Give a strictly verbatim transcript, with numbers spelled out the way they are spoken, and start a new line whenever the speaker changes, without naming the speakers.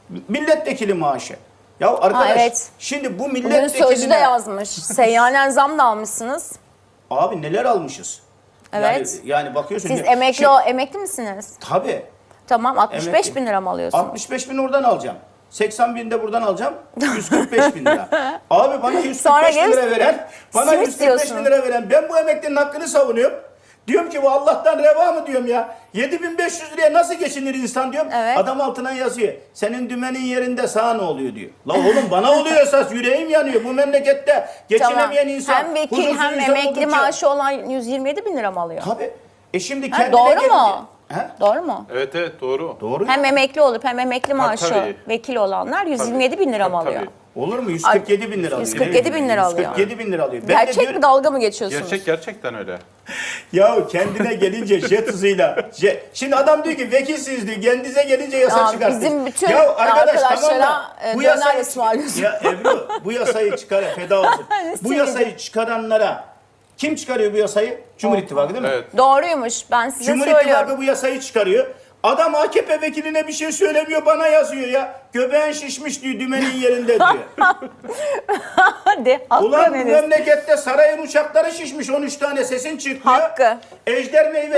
Milletvekili maaşı. Ya arkadaş,
Ha, evet.
şimdi bu
Bugün
milletvekiline...
Sözcü'de yazmış. Seyyanen zam da almışsınız.
Abi neler almışız?
Evet.
Yani, yani bakıyorsun...
Siz
ki-
emekli
Şimdi-
o emekli misiniz?
Tabii.
Tamam, altmış beş
Emekli.
bin lira mı alıyorsunuz?
altmış beş bin oradan alacağım. seksen bin de buradan alacağım. yüz kırk beş bin lira. Abi bana yüz kırk beş bin
Sonra
lira
gelip
veren, bana
simit
yüz kırk beş bin
diyorsun.
lira veren, ben bu emeklinin hakkını savunuyorum. Diyorum ki bu Allah'tan reva mı diyorum ya. yedi bin beş yüz liraya nasıl geçinir insan diyorum.
Evet.
Adam altına yazıyor. Senin dümenin yerinde sağa ne oluyor diyor. La oğlum bana oluyor esas, yüreğim yanıyor. Bu memlekette geçinemeyen
Tamam.
insan.
Hem vekil
huzursuz
hem
insan
emekli
oldukça-
maaşı olan yüz yirmi yedi bin lira mı alıyor?
Tabii. E şimdi
Ha,
kendine
doğru
gelince-
mu?
He?
Doğru mu?
Evet evet doğru.
Doğru.
Hem emekli olup hem emekli maaşı
tabii.
vekil olanlar yüz yirmi yedi bin lira mı
Tabii,
alıyor?
tabii.
Olur mu? yüz kırk yedi bin lira alıyor.
yüz kırk yedi bin lira alıyor.
yüz kırk yedi bin lira alıyor. Ben de
Gerçek
diyorum-
mi, dalga mı geçiyorsunuz?
Gerçek gerçekten öyle.
Ya kendine gelince jet hızıyla. jet- Şimdi adam diyor ki vekilsiniz diyor. Kendinize gelince yasa
Ya
çıkartın.
bizim bütün
ya arkadaş,
arkadaşlara,
tamam da
e,
bu
döner
yasayı,
ısmarlıyorsun.
ya Ebru bu yasayı çıkar feda olsun. bu
Simidi.
yasayı çıkaranlara kim çıkarıyor bu yasayı? Cumhur İttifakı değil mi?
Evet.
Doğruymuş, ben size
Cumhur
söylüyorum.
İttifakı bu yasayı çıkarıyor. Adam A K P vekiline bir şey söylemiyor, bana yazıyor ya. Göbeğin şişmiş diyor, dümenin yerinde diyor.
Hadi, hakkı
Ulan bu
Enes.
memlekette sarayın uçakları şişmiş, on üç tane sesin çıkmıyor.
Hakkı.
Ejder meyve